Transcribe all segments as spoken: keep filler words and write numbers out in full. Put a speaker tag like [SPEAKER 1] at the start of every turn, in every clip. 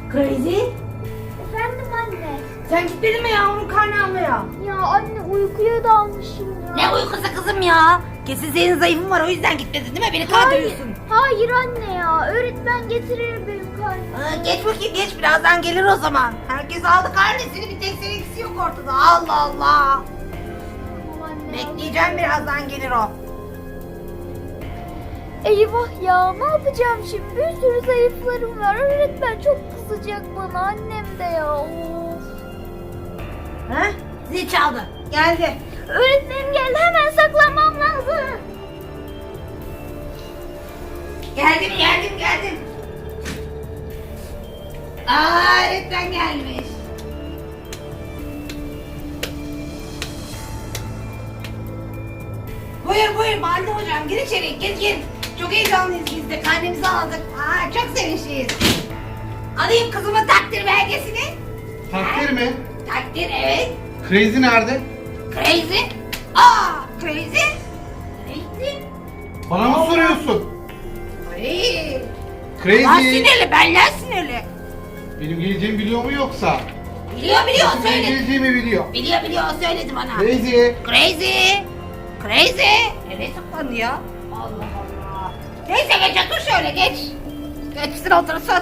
[SPEAKER 1] Crazy?
[SPEAKER 2] Efendim anne.
[SPEAKER 1] Sen gitmedin mi yavrum karnı almaya?
[SPEAKER 2] Ya anne uykuya dalmışım ya.
[SPEAKER 1] Ne uykusu kızım ya? Kesin senin zayıfın var o yüzden gitmedin değil mi? Beni
[SPEAKER 2] Hayır.
[SPEAKER 1] kandırıyorsun.
[SPEAKER 2] Hayır anne ya. Öğretmen getirir benim karnımı.
[SPEAKER 1] Aa, geç bakayım geç birazdan gelir o zaman. Herkes aldı karnesini bir tek seninkisi yok ortada. Allah Allah.
[SPEAKER 2] Tamam anne.
[SPEAKER 1] Bekleyeceğim birazdan gelir o.
[SPEAKER 2] Eyvah ya, ne yapacağım şimdi? Bir sürü zayıflarım var. Öğretmen çok kızacak bana, annem de ya. Of.
[SPEAKER 1] Ha? Zil çaldı. Geldi.
[SPEAKER 2] Öğretmenim geldi, hemen saklanmam lazım.
[SPEAKER 1] Geldim geldim geldim. Aa öğretmen gelmiş. Buyur buyur Balde hocam gir içeri gir gir. Çok heyecanlıyız biz de karnemizi aldık. Aa çok sevinçliyiz. Alayım kızımın takdir belgesini.
[SPEAKER 3] Takdir mi?
[SPEAKER 1] Takdir evet.
[SPEAKER 3] Crazy nerede?
[SPEAKER 1] Crazy. Aa crazy. Crazy.
[SPEAKER 3] Bana mı soruyorsun?
[SPEAKER 1] Ay. Ben
[SPEAKER 3] Crazy.
[SPEAKER 1] sinirli benden sinirli.
[SPEAKER 3] Benim geleceğimi biliyor mu yoksa?
[SPEAKER 1] Biliyor biliyor
[SPEAKER 3] Benim
[SPEAKER 1] söyledi.
[SPEAKER 3] geleceğimi biliyor.
[SPEAKER 1] Biliyor biliyor o söyledi bana.
[SPEAKER 3] Crazy.
[SPEAKER 1] Crazy. Crazy. Nereye saklandı ya? Allah Allah. Neyse geç otur şöyle geç. Geçsin otursun.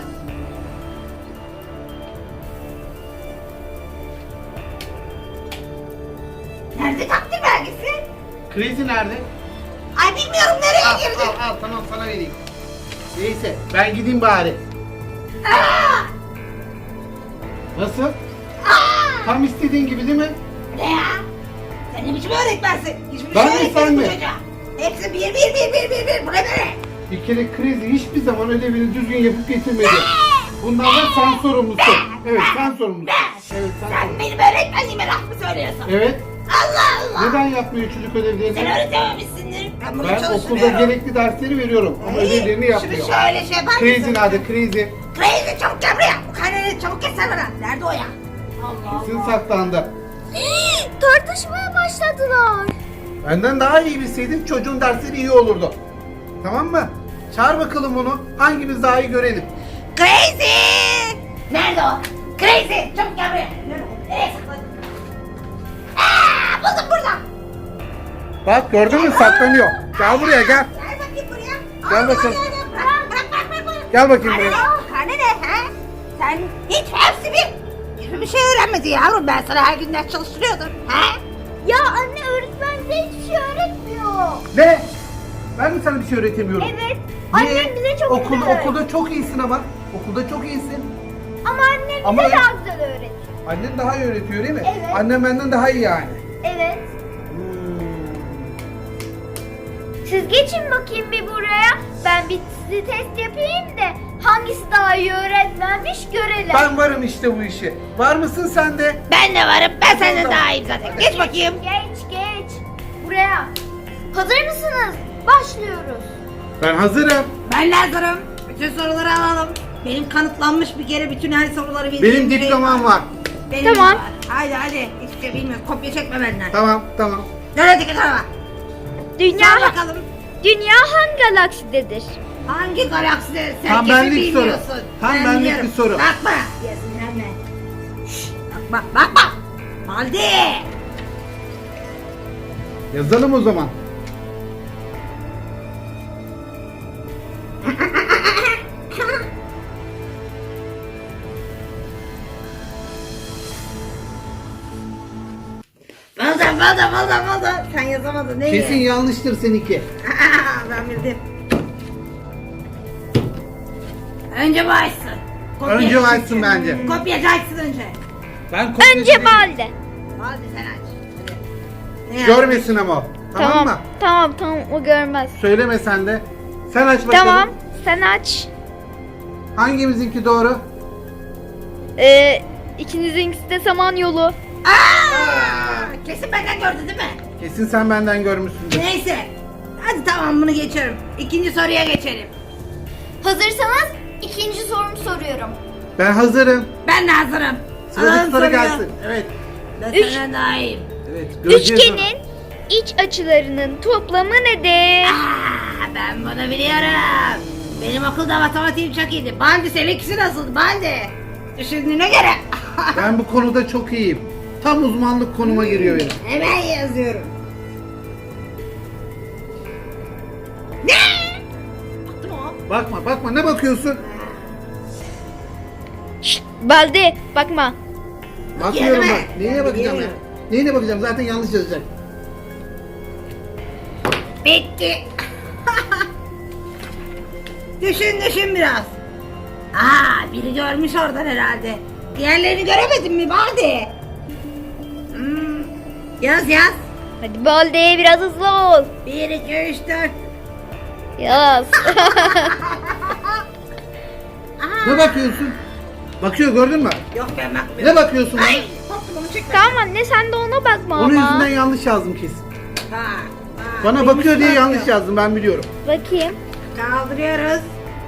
[SPEAKER 1] Nerede takdir belgesi?
[SPEAKER 3] Crazy nerede?
[SPEAKER 1] Ay bilmiyorum nereye
[SPEAKER 3] Al,
[SPEAKER 1] girdi.
[SPEAKER 3] al, al tamam sana vereyim. Neyse ben gideyim bari.
[SPEAKER 1] Aa!
[SPEAKER 3] Nasıl?
[SPEAKER 1] Aa!
[SPEAKER 3] Tam istediğin gibi değil mi?
[SPEAKER 1] Ne ya? Sen ne biçim öğretmensin? Hiçbir
[SPEAKER 3] Ben
[SPEAKER 1] şey
[SPEAKER 3] mi,
[SPEAKER 1] öğretmesin
[SPEAKER 3] sen mi?
[SPEAKER 1] bu çocuğa. Hepsi bir bir bir bir bir bir. Bu ne be?
[SPEAKER 3] Bir kere Crazy hiçbir zaman ödevini düzgün yapıp getirmedi. Bundan da sen sorumlusun. Evet sen sorumlusun. Evet sen
[SPEAKER 1] Sen
[SPEAKER 3] sorumlusun.
[SPEAKER 1] benim öğretmenliğime laf mı söylüyorsun?
[SPEAKER 3] Evet.
[SPEAKER 1] Allah Allah.
[SPEAKER 3] Neden yapmıyor çocuk
[SPEAKER 1] Sen
[SPEAKER 3] ödevlerini?
[SPEAKER 1] öğretememişsindir. Ben bunu
[SPEAKER 3] Ben okulda
[SPEAKER 1] çalıştırıyorum.
[SPEAKER 3] gerekli dersleri veriyorum ama
[SPEAKER 1] Hey,
[SPEAKER 3] ödevlerini yapmıyor.
[SPEAKER 1] Şunu şöyle şey yapar
[SPEAKER 3] Crazy
[SPEAKER 1] mısın?
[SPEAKER 3] nerede? Crazy.
[SPEAKER 1] Crazy çabuk gel buraya. Bu karneni çabuk keser bana. Nerede o ya? Allah
[SPEAKER 3] Kesin
[SPEAKER 1] Allah.
[SPEAKER 3] saklandı.
[SPEAKER 2] Hii, tartışmaya başladılar.
[SPEAKER 3] Benden daha iyi bilseydin çocuğun dersleri iyi olurdu. Tamam mı? Çağır bakalım onu. Hangimiz daha iyi görelim.
[SPEAKER 1] Crazy! Nerede o? Crazy! Çabuk gel buraya. Nerede o? Nereye sakladın? Aaa! Buldum burada.
[SPEAKER 3] Bak gördün mü saklanıyor. Gel buraya gel.
[SPEAKER 1] Gel bakayım buraya.
[SPEAKER 3] Gel
[SPEAKER 1] Al,
[SPEAKER 3] bakalım.
[SPEAKER 1] al, al, al. Bırak bırak bırak. bırak, bırak.
[SPEAKER 3] Gel bakayım
[SPEAKER 1] Karne
[SPEAKER 3] buraya.
[SPEAKER 1] ne o? Karne ne? He? Sen hiç hepsi bir. Hiçbir şey öğrenmedin yavrum. Ben sana her gün ders çalıştırıyordum. He?
[SPEAKER 2] Ya anne, öğretmen bize hiçbir şey öğretmiyor.
[SPEAKER 3] Ne? Ben mi sana bir şey öğretemiyorum?
[SPEAKER 2] Evet.
[SPEAKER 3] Niye?
[SPEAKER 2] Annem bize çok
[SPEAKER 3] Okul,
[SPEAKER 2] güzel öğretiyor.
[SPEAKER 3] Okulda çok iyisin ama. Okulda çok iyisin.
[SPEAKER 2] Ama annem bize
[SPEAKER 3] Ama-
[SPEAKER 2] daha güzel öğretiyor.
[SPEAKER 3] Annen daha iyi öğretiyor değil mi?
[SPEAKER 2] Evet.
[SPEAKER 3] Annem benden daha iyi yani.
[SPEAKER 2] Evet.
[SPEAKER 3] Hmm.
[SPEAKER 2] Siz geçin bakayım bir buraya. Ben bir sizi test yapayım da hangisi daha iyi öğretmenmiş görelim.
[SPEAKER 3] Ben varım işte bu işe. Var mısın sen de?
[SPEAKER 1] Ben de varım. Ben senden
[SPEAKER 3] Tamam.
[SPEAKER 1] daha iyiyim zaten. Geç bakayım.
[SPEAKER 2] Geç geç. Buraya. Hazır mısınız? Başlıyoruz.
[SPEAKER 3] Ben hazırım.
[SPEAKER 1] Ben de hazırım. Bütün soruları alalım. Benim kanıtlanmış bir kere bütün her soruları bildiğim
[SPEAKER 3] Benim
[SPEAKER 1] bir-
[SPEAKER 3] diplomam var.
[SPEAKER 1] Benim
[SPEAKER 2] Tamam.
[SPEAKER 1] de var. Haydi hadi. Hiçbir şey bilmiyorum. Kopya çekme benden.
[SPEAKER 3] Tamam tamam.
[SPEAKER 1] Dön hadi tarafa.
[SPEAKER 2] Dünya
[SPEAKER 1] Sor bakalım.
[SPEAKER 2] Dünya hangi galaksidedir?
[SPEAKER 1] Hangi galakside sen
[SPEAKER 3] Tam
[SPEAKER 1] kesin
[SPEAKER 3] benlik soru.
[SPEAKER 1] bilmiyorsun.
[SPEAKER 3] Tam
[SPEAKER 1] Ben
[SPEAKER 3] benlik
[SPEAKER 1] biliyorum.
[SPEAKER 3] bir soru.
[SPEAKER 1] Bakma. Yazın Şşş, Bakma bakma. Hadi.
[SPEAKER 3] Yazalım o zaman.
[SPEAKER 1] Buldum buldum buldum buldum. Sen yazamadın değil
[SPEAKER 3] Kesin
[SPEAKER 1] mi?
[SPEAKER 3] yanlıştır seninki.
[SPEAKER 1] Ben bildim. Önce bu açsın. Kopya
[SPEAKER 3] Önce o
[SPEAKER 1] açsın.
[SPEAKER 3] açsın bence.
[SPEAKER 1] Kopyacı açsın önce.
[SPEAKER 3] Ben kopyacı
[SPEAKER 2] Önce
[SPEAKER 3] değilim.
[SPEAKER 2] Balde.
[SPEAKER 1] Hadi sen aç. Hadi. Ne
[SPEAKER 3] Görmesin ama o. Tamam, mı?
[SPEAKER 2] Tamam tamam, o görmez.
[SPEAKER 3] Söyleme sen de. Sen aç bakalım.
[SPEAKER 2] Tamam, sen aç.
[SPEAKER 3] Hangimizinki doğru?
[SPEAKER 2] Ee, ikinizinkisi de Samanyolu.
[SPEAKER 1] Aa, kesin benden gördü değil mi?
[SPEAKER 3] Kesin sen benden görmüşsündür.
[SPEAKER 1] Neyse. Hadi tamam bunu geçiyorum. İkinci soruya geçelim.
[SPEAKER 2] Hazırsanız ikinci sorumu soruyorum.
[SPEAKER 3] Ben hazırım.
[SPEAKER 1] Ben de hazırım.
[SPEAKER 3] Sıradaki
[SPEAKER 1] Alalım
[SPEAKER 3] soru
[SPEAKER 1] soruyu.
[SPEAKER 3] gelsin. Evet.
[SPEAKER 1] Ben
[SPEAKER 2] Üç.
[SPEAKER 1] senden daha iyiyim.
[SPEAKER 3] Evet. göreceğiz
[SPEAKER 2] Üçgenin iç açılarının toplamı nedir?
[SPEAKER 1] Aa, ben bunu biliyorum. Benim okulda matematiğim çok iyiydi. Bandi seninkisi nasıldı? Bandi. Düşündüğüne göre.
[SPEAKER 3] Ben bu konuda çok iyiyim. Tam uzmanlık konuma giriyor benim.
[SPEAKER 1] Hemen yazıyorum. Ne? Baktım o.
[SPEAKER 3] Bakma bakma, ne bakıyorsun?
[SPEAKER 2] Şşt, Baldi bakma.
[SPEAKER 3] Bakıyorum
[SPEAKER 1] Yerime.
[SPEAKER 3] bak. Neyine bakacağım ya?
[SPEAKER 1] Biliyorum.
[SPEAKER 3] Neyine bakacağım? Zaten yanlış yazacak.
[SPEAKER 1] Bitti. Düşün düşün biraz. Aa, biri görmüş oradan herhalde. Diğerlerini göremedin mi Baldi? Hmm. Yaz yaz.
[SPEAKER 2] Hadi Baldi biraz hızlı ol.
[SPEAKER 1] Bir, iki, üç, dört.
[SPEAKER 2] Yaz.
[SPEAKER 3] Ne bakıyorsun? Bakıyor, gördün mü?
[SPEAKER 1] Yok ben bakmıyorum.
[SPEAKER 3] Ne bakıyorsun bana?
[SPEAKER 1] Ay, toplumu çekme.
[SPEAKER 2] Tamam anne sen de ona bakma
[SPEAKER 3] Onun
[SPEAKER 2] ama.
[SPEAKER 3] yüzünden yanlış yazdım kesin.
[SPEAKER 1] Bak, bak,
[SPEAKER 3] Bana
[SPEAKER 1] neymiş
[SPEAKER 3] bakıyor diye
[SPEAKER 1] bakıyor.
[SPEAKER 3] yanlış yazdım, ben biliyorum.
[SPEAKER 2] Bakayım.
[SPEAKER 1] Kaldırıyoruz.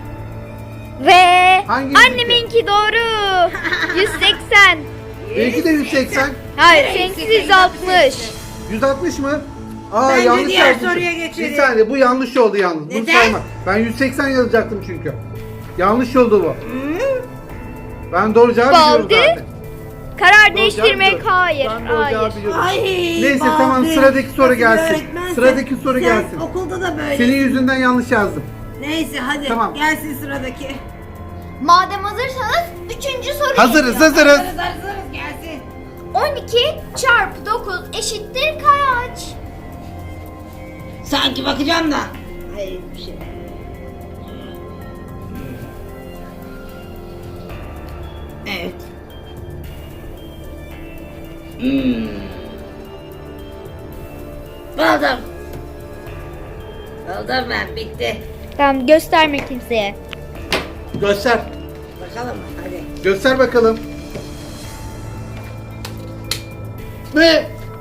[SPEAKER 2] Ve
[SPEAKER 3] Hangisi?
[SPEAKER 2] anneminki doğru. yüz seksen.
[SPEAKER 3] Belki de yüz seksen.
[SPEAKER 2] Hayır
[SPEAKER 1] Nereye
[SPEAKER 2] seninki
[SPEAKER 1] seksen?
[SPEAKER 2] yüz altmış.
[SPEAKER 3] yüz altmış mı? Aa,
[SPEAKER 1] Bence
[SPEAKER 3] yanlış
[SPEAKER 1] diğer
[SPEAKER 3] yazmışım.
[SPEAKER 1] soruya geçelim.
[SPEAKER 3] Bir saniye, bu yanlış oldu yalnız. Bunu
[SPEAKER 1] Neden?
[SPEAKER 3] sayma. Ben yüz seksen yazacaktım çünkü. Yanlış oldu bu.
[SPEAKER 1] Hmm.
[SPEAKER 3] Ben doğru cevabı biliyorum
[SPEAKER 2] Baldi.
[SPEAKER 3] zaten.
[SPEAKER 2] Karar
[SPEAKER 3] Doğru
[SPEAKER 2] değiştirmek
[SPEAKER 3] cevabı
[SPEAKER 2] hayır.
[SPEAKER 3] biliyorum. Ben doğru
[SPEAKER 2] Hayır.
[SPEAKER 3] cevabı biliyorum.
[SPEAKER 1] Ay,
[SPEAKER 3] Neyse,
[SPEAKER 1] Baldi.
[SPEAKER 3] tamam, sıradaki soru
[SPEAKER 1] Nasıl bir
[SPEAKER 3] gelsin.
[SPEAKER 1] öğretmensin?
[SPEAKER 3] Sıradaki soru
[SPEAKER 1] Sen
[SPEAKER 3] gelsin.
[SPEAKER 1] okulda da böyle.
[SPEAKER 3] Senin yüzünden yanlış yazdım.
[SPEAKER 1] Neyse hadi
[SPEAKER 3] Tamam.
[SPEAKER 1] gelsin sıradaki.
[SPEAKER 2] Madem hazırsanız üçüncü soru
[SPEAKER 3] Hazırız,
[SPEAKER 2] geliyor.
[SPEAKER 3] hazırız.
[SPEAKER 1] Hazırız hazırız gelsin.
[SPEAKER 2] on iki çarpı dokuz eşittir kaç?
[SPEAKER 1] Sanki bakacağım da. Hayır bir şey. Evet. Hmm. Buldum. Buldum ben, bitti.
[SPEAKER 2] Tamam gösterme kimseye.
[SPEAKER 3] Göster.
[SPEAKER 1] Bakalım hadi.
[SPEAKER 3] Göster bakalım. Ne?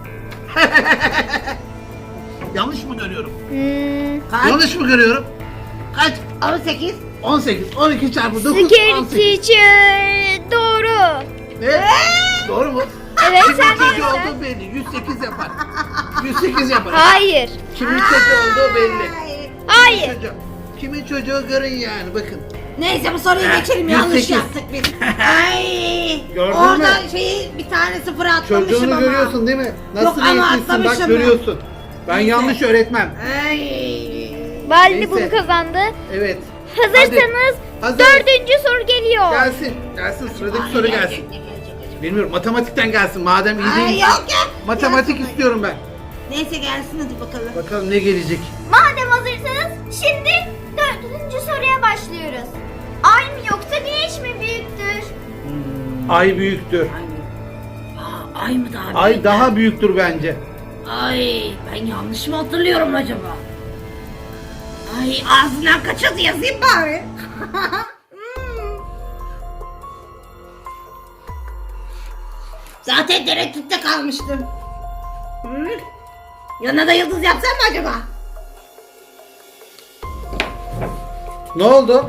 [SPEAKER 3] Yanlış mı görüyorum?
[SPEAKER 2] Hmm.
[SPEAKER 1] Kaç?
[SPEAKER 3] Yanlış mı görüyorum? Kaç?
[SPEAKER 1] on sekiz.
[SPEAKER 3] on sekiz. on iki çarpı dokuz.
[SPEAKER 2] Scary
[SPEAKER 3] on sekiz.
[SPEAKER 2] teacher. Doğru.
[SPEAKER 3] Ne? Doğru mu?
[SPEAKER 2] Evet,
[SPEAKER 3] Kimin
[SPEAKER 2] sen
[SPEAKER 3] çocuğu
[SPEAKER 2] bilirsin.
[SPEAKER 3] olduğu belli. yüz sekiz yapar. yüz sekiz yapar.
[SPEAKER 2] Hayır.
[SPEAKER 3] Kimin çocuğu olduğu belli.
[SPEAKER 1] Ay.
[SPEAKER 2] Hayır.
[SPEAKER 3] Çocuğu. Kimin çocuğu görün yani, bakın.
[SPEAKER 1] Neyse bu soruyu
[SPEAKER 3] Heh,
[SPEAKER 1] geçelim,
[SPEAKER 3] yüz
[SPEAKER 1] yanlış
[SPEAKER 3] sekiz.
[SPEAKER 1] yaptık biz. Ay.
[SPEAKER 3] Gördün
[SPEAKER 1] Orada
[SPEAKER 3] mü?
[SPEAKER 1] şeyi bir tane sıfır atlamışım
[SPEAKER 3] Çocuğunu
[SPEAKER 1] ama.
[SPEAKER 3] görüyorsun değil mi? Nasıl
[SPEAKER 1] Yok ama
[SPEAKER 3] eğitimsin, bak
[SPEAKER 1] atlamışım ben.
[SPEAKER 3] görüyorsun. Ben
[SPEAKER 1] Neyse.
[SPEAKER 3] yanlış öğretmem.
[SPEAKER 1] Ay.
[SPEAKER 2] Baldi
[SPEAKER 3] Neyse.
[SPEAKER 2] bunu kazandı.
[SPEAKER 3] Evet.
[SPEAKER 2] Hazırsanız
[SPEAKER 3] Hazır.
[SPEAKER 2] dördüncü soru geliyor.
[SPEAKER 3] Gelsin. Gelsin, sıradaki
[SPEAKER 1] Ay,
[SPEAKER 3] soru
[SPEAKER 1] gelecek,
[SPEAKER 3] gelsin.
[SPEAKER 1] ne gelecek?
[SPEAKER 3] Bilmiyorum, matematikten gelsin madem iyi
[SPEAKER 1] Ay
[SPEAKER 3] değil.
[SPEAKER 1] yok ya.
[SPEAKER 3] Matematik
[SPEAKER 1] Gelsin.
[SPEAKER 3] istiyorum ben.
[SPEAKER 1] Neyse gelsin hadi bakalım.
[SPEAKER 3] Bakalım ne gelecek.
[SPEAKER 2] Madem hazırsanız şimdi dördüncü soruya başlıyoruz. Ay mı yoksa güneş mi büyüktür?
[SPEAKER 3] Ay büyüktür.
[SPEAKER 1] Ay mı? Aa, ay mı daha
[SPEAKER 3] Ay
[SPEAKER 1] büyük?
[SPEAKER 3] daha büyüktür bence.
[SPEAKER 1] Ay ben yanlış mı hatırlıyorum acaba? Ay ağzından kaçırdı, yazayım bari. Hmm. Zaten tereddütte kalmıştım. Hmm. Yanına da yıldız yapsam mı acaba?
[SPEAKER 3] Ne oldu?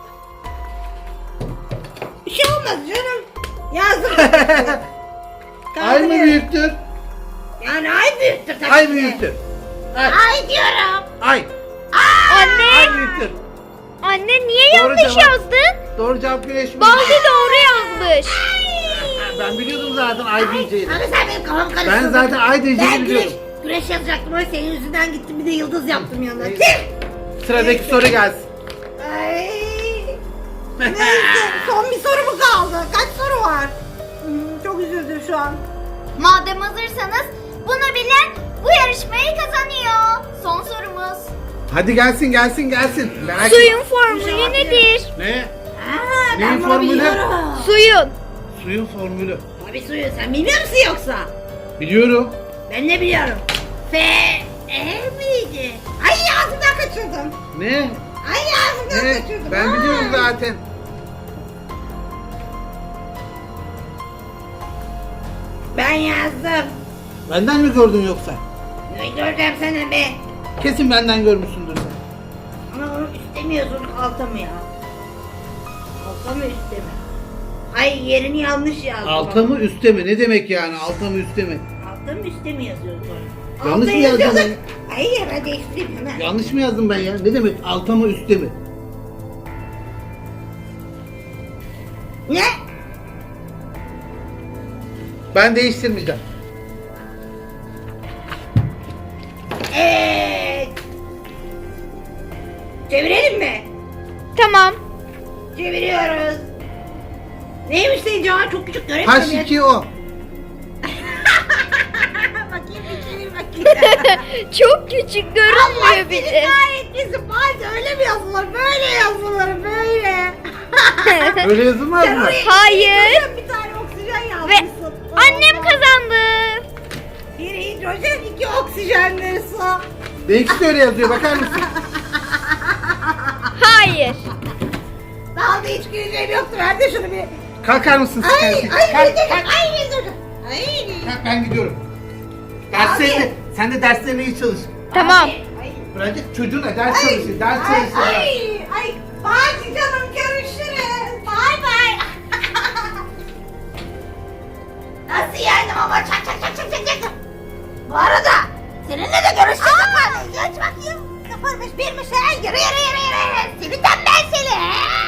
[SPEAKER 1] Bir şey olmaz canım. Yazdım.
[SPEAKER 3] Ay mı büyüktür?
[SPEAKER 1] Yani ay büyüktür tabii
[SPEAKER 3] Ay
[SPEAKER 1] ki.
[SPEAKER 3] büyüktür. Ay.
[SPEAKER 1] Ay diyorum.
[SPEAKER 3] Ay.
[SPEAKER 2] Anne,
[SPEAKER 3] Ay büyüktür.
[SPEAKER 2] anne niye
[SPEAKER 3] Doğru
[SPEAKER 2] yanlış
[SPEAKER 3] cevap.
[SPEAKER 2] yazdın?
[SPEAKER 3] Doğru cevap güneş mi?
[SPEAKER 2] Baldi doğru yazmış.
[SPEAKER 3] Ben biliyordum zaten ay diyeceğini.
[SPEAKER 1] Abi sen benim kafamı karıştırdın.
[SPEAKER 3] Ben zaten ay diyeceğini
[SPEAKER 1] Ben güneş,
[SPEAKER 3] biliyordum.
[SPEAKER 1] güneş yazacaktım ama senin yüzünden gittim, bir de yıldız yaptım yanına.
[SPEAKER 3] Neyse.
[SPEAKER 1] Tüh!
[SPEAKER 3] Sıradaki soru gelsin.
[SPEAKER 1] Ay. Neyse son bir soru mu kaldı? Kaç soru var? Hmm, çok üzüldüm şu an.
[SPEAKER 2] Madem hazırsanız bunu bilen bu yarışmayı kazanıyor. Son sorumuz.
[SPEAKER 3] Hadi gelsin gelsin gelsin. Merak etme.
[SPEAKER 2] Suyun formülü
[SPEAKER 1] İnşallah
[SPEAKER 2] nedir?
[SPEAKER 3] Ne?
[SPEAKER 1] Aa,
[SPEAKER 3] Neyin
[SPEAKER 1] ben bunu
[SPEAKER 3] formülü?
[SPEAKER 1] biliyorum.
[SPEAKER 2] Suyun.
[SPEAKER 3] Suyun formülü.
[SPEAKER 1] Tabii suyu, sen bilmiyor musun yoksa?
[SPEAKER 3] Biliyorum.
[SPEAKER 1] Ben de biliyorum. F, E miydi? Ay ağzımdan kaçırdım.
[SPEAKER 3] Ne?
[SPEAKER 1] Ay ağzımdan
[SPEAKER 3] Ne?
[SPEAKER 1] kaçırdım.
[SPEAKER 3] Ben
[SPEAKER 1] Ay.
[SPEAKER 3] biliyorum zaten.
[SPEAKER 1] Ben yazdım.
[SPEAKER 3] Benden mi gördün yoksa?
[SPEAKER 1] Ne göreceğim sana be?
[SPEAKER 3] Kesin benden görmüşsündür sen.
[SPEAKER 1] Ama onu istemiyorsun, alta mı ya? Alta mı üstte mi? Ay yerini yanlış yazdım.
[SPEAKER 3] Alta mı üstte mi? Ne demek yani alta mı üstte mi?
[SPEAKER 1] Alta mı üstte mi yazıyorsun sonra?
[SPEAKER 3] Yanlış
[SPEAKER 1] Alta
[SPEAKER 3] mı yazdın
[SPEAKER 1] yazıyorsun.
[SPEAKER 3] ben?
[SPEAKER 1] Hayır ben değiştireyim hemen.
[SPEAKER 3] Yanlış mı yazdım ben ya? Ne demek alta mı üstte mi?
[SPEAKER 1] Ne?
[SPEAKER 3] Ben değiştirmeyeceğim.
[SPEAKER 1] Evet. Çevirelim mi?
[SPEAKER 2] Tamam.
[SPEAKER 1] Çeviriyoruz. Neymiş senin cevabın? Çok küçük göremiyorum.
[SPEAKER 3] H iki O.
[SPEAKER 1] Bakayım bir çevir bakayım.
[SPEAKER 2] Çok küçük
[SPEAKER 1] Allah
[SPEAKER 2] görünmüyor
[SPEAKER 1] seni
[SPEAKER 2] bile.
[SPEAKER 1] kahretmesin. Balde öyle mi yazılır? Böyle yazılır böyle.
[SPEAKER 3] Öyle yazılmaz
[SPEAKER 1] Sen
[SPEAKER 3] mı?
[SPEAKER 1] oraya
[SPEAKER 2] Hayır.
[SPEAKER 1] hidrojen, bir tane oksijen
[SPEAKER 2] Ve
[SPEAKER 1] yazmışsın.
[SPEAKER 2] annem kazandı.
[SPEAKER 1] Bir hidrojen, iki oksijenleri su.
[SPEAKER 3] Benimki de öyle yazıyor, bakar mısın?
[SPEAKER 2] Hayır.
[SPEAKER 1] Daha da hiç güleceğim yoktu. Ver de şunu bir.
[SPEAKER 3] Kalkar mısın
[SPEAKER 1] Ay,
[SPEAKER 3] sen?
[SPEAKER 1] ay,
[SPEAKER 3] Kalk,
[SPEAKER 1] ay,
[SPEAKER 3] kalk.
[SPEAKER 1] ay, ay, ay.
[SPEAKER 3] Kalk, ben gidiyorum. Derslerine, sen de derslerine iyi çalış.
[SPEAKER 2] Tamam.
[SPEAKER 1] Ay,
[SPEAKER 3] Bence çocuğuna ders
[SPEAKER 1] ay,
[SPEAKER 3] çalışır, ders
[SPEAKER 1] ay,
[SPEAKER 3] çalışır.
[SPEAKER 1] ay, ay. Bye canım, görüşürüz. Bye bye. Nasıl yendim ama çak çak çak çak çak çak. Bu arada seninle de görüşeceğiz. Geç bakayım. Sıfırmış birmiş. Yürü yürü yürü yürü. Seni tembel seni.